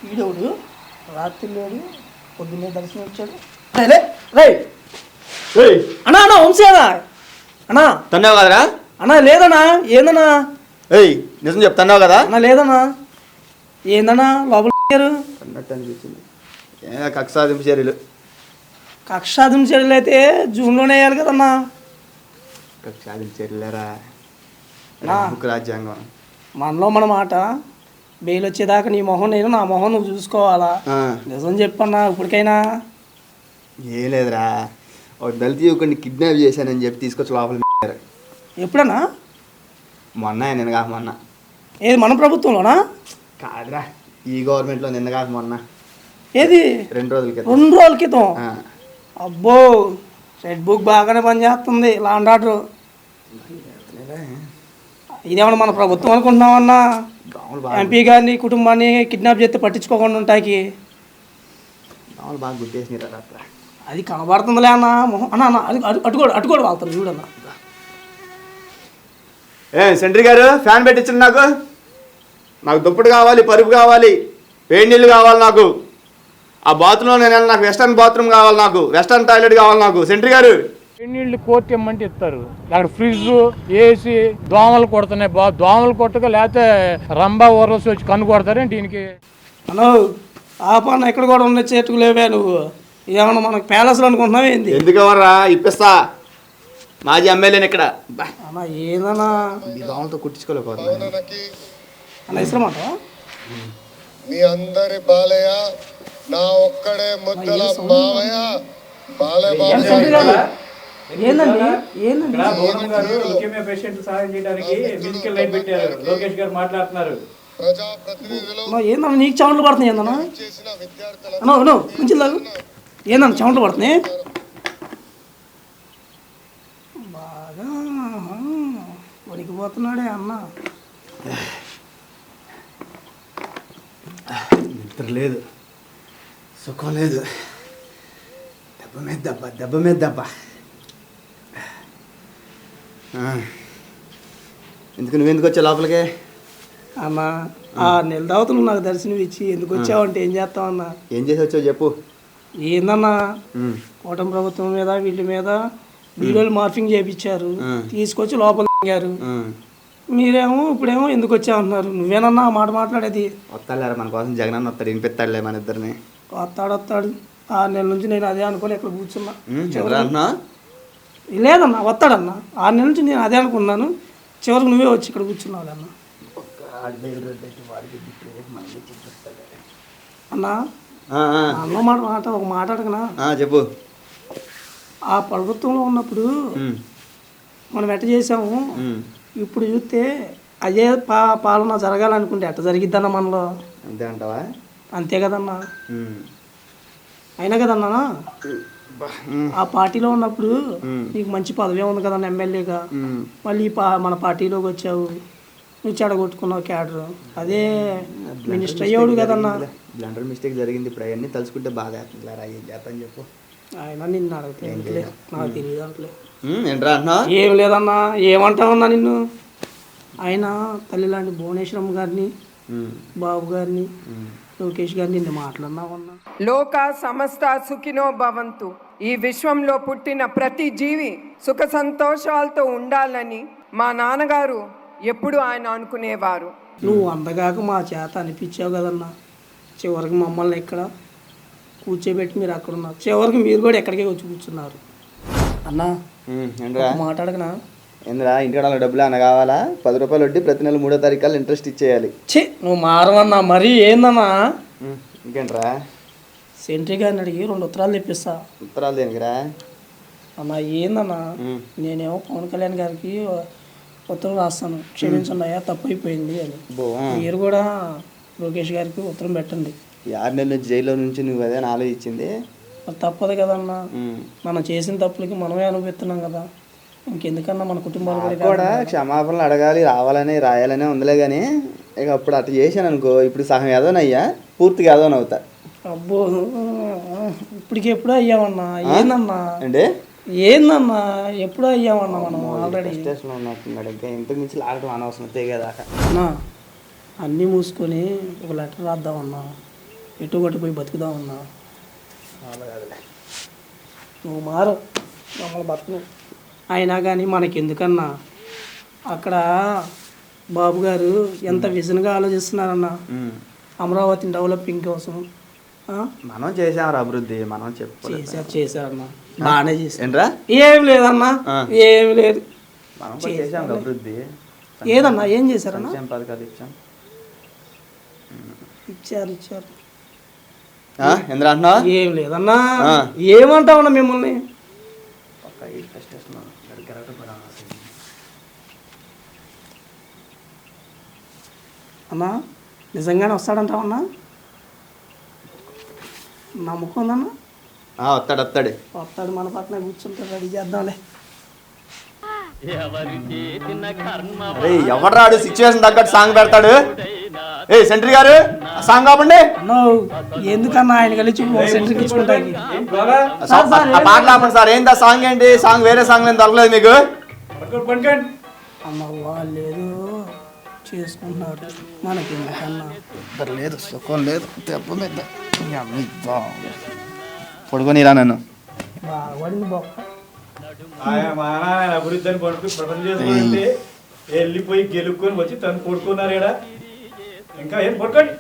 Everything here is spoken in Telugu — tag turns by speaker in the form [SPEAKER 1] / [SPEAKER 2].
[SPEAKER 1] వీడవుడు రాత్రి లేడు పొద్దున్నే దర్శనం వచ్చాడు. రైట్ అన్నా అన్నా వంశీ అన్నా అన్నా
[SPEAKER 2] తన్నావు కదరా
[SPEAKER 1] అన్నా లేదన్నా ఏందన్నా
[SPEAKER 2] ఏయ్ నిజం చెప్తున్నావు కదా
[SPEAKER 1] అన్నా లేదన్నా ఏందన్నా లోపల
[SPEAKER 2] అన్నట్టు అనిపించింది. కక్ష సాధింపు చర్యలు
[SPEAKER 1] కక్షాదింపు చర్యలు అయితే జూన్లోనే వేయాలి కదన్నా.
[SPEAKER 2] కక్ష సాధింపు చర్యలేరా రాజ్యాంగం
[SPEAKER 1] మనలో మన మాట బెయిల్ వచ్చేదాకా నీ మొహం నేను నా మొహం నువ్వు చూసుకోవాలా. నిజం చెప్పన్నా ఇప్పటికైనా.
[SPEAKER 2] ఏం లేదురా ఒక దళిత యువకుడిని కిడ్నాప్ చేశానని చెప్పి తీసుకొచ్చి లోపల
[SPEAKER 1] ఎప్పుడన్నా
[SPEAKER 2] మొన్న నిన్న కాక మొన్న.
[SPEAKER 1] ఏది మన ప్రభుత్వంలోనా?
[SPEAKER 2] కాదురా ఈ గవర్నమెంట్లో నిన్న కాక మొన్న.
[SPEAKER 1] ఏది
[SPEAKER 2] 2 రోజుల క్రితం.
[SPEAKER 1] 2 రోజుల క్రితం. అబ్బో రెడ్ బుక్ బాగానే పనిచేస్తుంది లా అండ్ ఆర్డర్. ఇదేమన్నా మన ప్రభుత్వం అనుకుంటున్నామన్నా? ఎంపీ గారిని కుటుంబాన్ని కిడ్నాప్ చేస్తే పట్టించుకోకుండా ఉంటాకి
[SPEAKER 2] బాగా గుర్తేసినారు రాత్ర.
[SPEAKER 1] అది కనబడుతుందిలే అన్న మొహం అన్న అన్న అది అటుకోడు వాళ్తారు చూడన్న.
[SPEAKER 2] సెంట్రీ గారు ఫ్యాన్ పెట్టించండి. నాకు దుప్పటి కావాలి, పరుపు కావాలి, వేడి నీళ్ళు కావాలి, నాకు ఆ బాత్రూంలో నేను నాకు వెస్టర్న్ బాత్రూమ్ కావాలి, నాకు వెస్టర్న్ టాయిలెట్ కావాలి నాకు. సెంట్రీ గారు
[SPEAKER 3] నీళ్ళు కోర్టు ఇమ్మంటే ఇస్తారు. అక్కడ ఫ్రిడ్జ్ ఏసీ దోమలు కొడుతున్నాయి. దోమలు కొట్టక లేకపోతే రంబా ఊరసి వచ్చి కన్ను కొడతారేంటి దీనికి?
[SPEAKER 1] అను ఆ పని ఎక్కడ కూడా ఉన్న చేతుకు లేవే నువ్వు. ఏమన్నా మనకు ప్యాలెస్లో అనుకుంటున్నావు ఏంది?
[SPEAKER 2] ఎందుకు ఎవర్రా ఇప్పిస్తా మాజీ ఎమ్మెల్యేని ఇక్కడ
[SPEAKER 1] అన్నా ఏదన్నా
[SPEAKER 2] ఈ దోమలతో కుట్టించుకోలేకపోతున్నా
[SPEAKER 1] అన్న ఇష్టమాట
[SPEAKER 4] మీ అందరి బాలయ్య నా ఒక్కడే ముద్దల మావయ్య
[SPEAKER 1] ఏందండి ఏందండి
[SPEAKER 3] పేషెంట్ సహాయం చేయడానికి ఫిజికల్ లైన్ పెట్టారు. లోకేష్ గారు మాట్లాడుతున్నారు.
[SPEAKER 1] ఏందన్నా నీకు చెమటలు పడుతున్నాయి ఏందన్నా? అన్నా అను కొంచెం లాగు. ఏందన్నా చెమటలు పడుతున్నాయి బాగా వణికిపోతున్నాడే అన్న.
[SPEAKER 2] నిద్ర లేదు, సుఖం లేదు, దెబ్బ మీద దెబ్బ, దెబ్బ మీద దెబ్బ. ఎందుకు నువ్వెందుకు వచ్చావు లోపలికి?
[SPEAKER 1] అన్నా 6 నెలల తర్వాత నువ్వు నాకు దర్శనం ఇచ్చి ఎందుకు వచ్చావు అంటే ఏం చేస్తావన్నా?
[SPEAKER 2] ఏం చేసి వచ్చావు చెప్పు.
[SPEAKER 1] ఏందన్నా కూటమి ప్రభుత్వం మీద వీళ్ళ మీద వీడియోలు మార్ఫింగ్ చేయించారు, తీసుకొచ్చి లోపల దిగారు. మీరేమో ఇప్పుడేమో ఎందుకు వచ్చావంటున్నారు. నువ్వేనన్నా ఆ మాట మాట్లాడేది?
[SPEAKER 2] వస్తాడులేరా మన కోసం జగనన్న వస్తాడు, వినిపిస్తాడులే మన ఇద్దరిని.
[SPEAKER 1] వస్తాడు 6 నెలల నుంచి నేను అదే అనుకోని ఇక్కడ కూర్చున్నా.
[SPEAKER 2] అంటున్నా
[SPEAKER 1] లేదన్నా వస్తాడన్నా 6 నెలల నుంచి నేను అదే అనుకున్నాను. చివరికి నువ్వే వచ్చి ఇక్కడ కూర్చున్నావు అన్న. అన్నా అన్న మాట ఒక మాట అడగనా?
[SPEAKER 2] చెప్పు.
[SPEAKER 1] ఆ ప్రభుత్వంలో ఉన్నప్పుడు మనం ఎట్ట చేసాము, ఇప్పుడు చూస్తే అదే పాలన జరగాలనుకుంటే ఎట్ట జరిగిద్దన్న మనలో?
[SPEAKER 2] అంతే అంటావా?
[SPEAKER 1] అంతే కదన్నా. అయినా కదన్నా ఆ పార్టీలో ఉన్నప్పుడు నీకు మంచి పదవి ఉంది కదన్నా ఎమ్మెల్యేగా. మళ్ళీ మన పార్టీలోకి వచ్చావు, నువ్వు చెడగొట్టుకున్నావు క్యాడర్. అదే మినిస్టర్ అయ్యాడు కదన్నా.
[SPEAKER 2] బ్లండర్ మిస్టేక్ జరిగింది. ఇప్పుడు అవన్నీ తలుచుకుంటే బాగా ఏం చేస్తాను చెప్పు.
[SPEAKER 1] ఆయన నిన్ను అడిగితే నాకు తెలియదు అంటలే.
[SPEAKER 2] ఏంట్రా అంటున్నా?
[SPEAKER 1] ఏం లేదన్నా. ఏమంటావన్నా నిన్ను? ఆయన తల్లి లాంటి భువనేశ్వరమ్మ గారిని, బాబు గారిని, లోకేష్ గారిని నిన్ను మాట్లాడినావన్నా.
[SPEAKER 5] లోక సమస్త సుఖినో భవంతు. ఈ విశ్వంలో పుట్టిన ప్రతి జీవి సుఖ సంతోషాలతో ఉండాలని మా నాన్నగారు ఎప్పుడు ఆయన అనుకునేవారు.
[SPEAKER 1] నువ్వు అందగాక మా చేత అనిపించావు కదన్నా. చివరికి మమ్మల్ని ఇక్కడ కూర్చోబెట్టి మీరు అక్కడ ఉన్నారు. చివరికి మీరు కూడా ఎక్కడికే వచ్చి కూర్చున్నారు అన్నా. మాట్లాడకనా?
[SPEAKER 2] ఏంద్రా ఇంటికాడ డబ్బులు అన్న కావాలా? 10 రూపాయలు వడ్డీ ప్రతి నెల 3వ తారీఖు ఇంట్రెస్ట్ ఇచ్చేయాలి.
[SPEAKER 1] నువ్వు మారవన్నా. మరీ ఏందన్నా?
[SPEAKER 2] ఇంకేంట్రా
[SPEAKER 1] సెంట్రీ గారిని అడిగి 2 ఉత్తరాలు తెప్పిస్తా.
[SPEAKER 2] ఉత్తరాలు దేనికిరా
[SPEAKER 1] అన్నా? ఏందన్నా నేనేమో పవన్ కళ్యాణ్ గారికి ఉత్తరం రాస్తాను, క్షమించండి అయ్యా తప్పు అయిపోయింది అని. మీరు కూడా లోకేష్ గారికి ఉత్తరం పెట్టండి.
[SPEAKER 2] 6 నెలల నుంచి జైల్లో నుంచి నువ్వు అదే ఆలోచించింది.
[SPEAKER 1] తప్పదు కదన్నా. మనం చేసిన తప్పులకి మనమే అనుభవిస్తున్నాం కదా. ఇంకెందుకన్నా మన కుటుంబాలు
[SPEAKER 2] కూడా క్షమాపణలు అడగాలి, రావాలని రాయాలనే ఉందిలే. కానీ ఇక అప్పుడు అట్లా చేశాను అనుకో, ఇప్పుడు సగం ఏదోనయ్యా, పూర్తిగా ఏదోనవుతా.
[SPEAKER 1] అబ్బో ఇప్పటికి ఎప్పుడో అయ్యామన్నా. ఏందన్నా
[SPEAKER 2] అంటే
[SPEAKER 1] ఏందన్నా ఎప్పుడో అయ్యామన్నా మనం ఆల్రెడీ.
[SPEAKER 2] స్టేషన్లో ఉన్నట్టున్నాడు. ఇంకా ఇంతకు మించి లాగడం అనవసరం తెగేదాకా.
[SPEAKER 1] అన్నా అన్నీ మూసుకొని ఒక లెటర్ రాద్దామన్నా. ఎటు కొట్టి పోయి బతుకుదామన్నా. నువ్వు మారు మమ్మల్ని బతుకు. అయినా కానీ మనకెందుకన్నా, అక్కడ బాబు గారు ఎంత విజన్గా ఆలోచిస్తున్నారన్నా అమరావతిని డెవలపింగ్ కోసం.
[SPEAKER 2] మనం చేసాం అభివృద్ధి, మనం
[SPEAKER 1] చేశారన్నా, బాగానే చేశారు.
[SPEAKER 2] ఏంట్రా?
[SPEAKER 1] ఏం లేదన్నా, ఏం లేదు.
[SPEAKER 2] మనం చేసాం అభివృద్ధి.
[SPEAKER 1] ఏదన్నా ఏం చేశారన్నా?
[SPEAKER 2] పథకాలు ఇచ్చాం.
[SPEAKER 1] ఇచ్చారు.
[SPEAKER 2] ఎందుకు అంటున్నా?
[SPEAKER 1] ఏం లేదన్నా. ఏమంటామన్నా మిమ్మల్ని? అన్నా నిజంగానే వస్తాడంటావన్నా? నమ్మకం ఉందన్నా? వస్తాడు, మన పక్కన కూర్చుంటాడు, రెడీ చేద్దాంలే.
[SPEAKER 2] ఎవరాడు సిచ్యువేషన్ తగ్గట్టు సాంగ్ పెడతాడు. సెంట్రీ గారు సాంగ్ కాపండి.
[SPEAKER 1] ఎందుకన్నా ఆయన కలిసి సెంట్రీకి ఇచ్చుకుంటాకి
[SPEAKER 2] పాట కాపండి సార్. ఏంటి సాంగ్? ఏంటి సాంగ్? వేరే సాంగ్ ఏం దొరకలేదు మీకు?
[SPEAKER 1] అమ్మ వాళ్ళు ఏదో చేసుకుంటున్నారు, మనకి ఎందుకన్నా?
[SPEAKER 2] లేదు, సుఖం లేదు, దెబ్బ మీద పడుకోనిరా నన్ను.
[SPEAKER 1] బాగుపడింది బొక్క.
[SPEAKER 6] అభివృద్ధి అని ప్రపంచం చేసుకుంటే వెళ్ళిపోయి గెలుక్కొని వచ్చి తను పడుకున్నారు. ఇంకా ఏం పడుకోండి.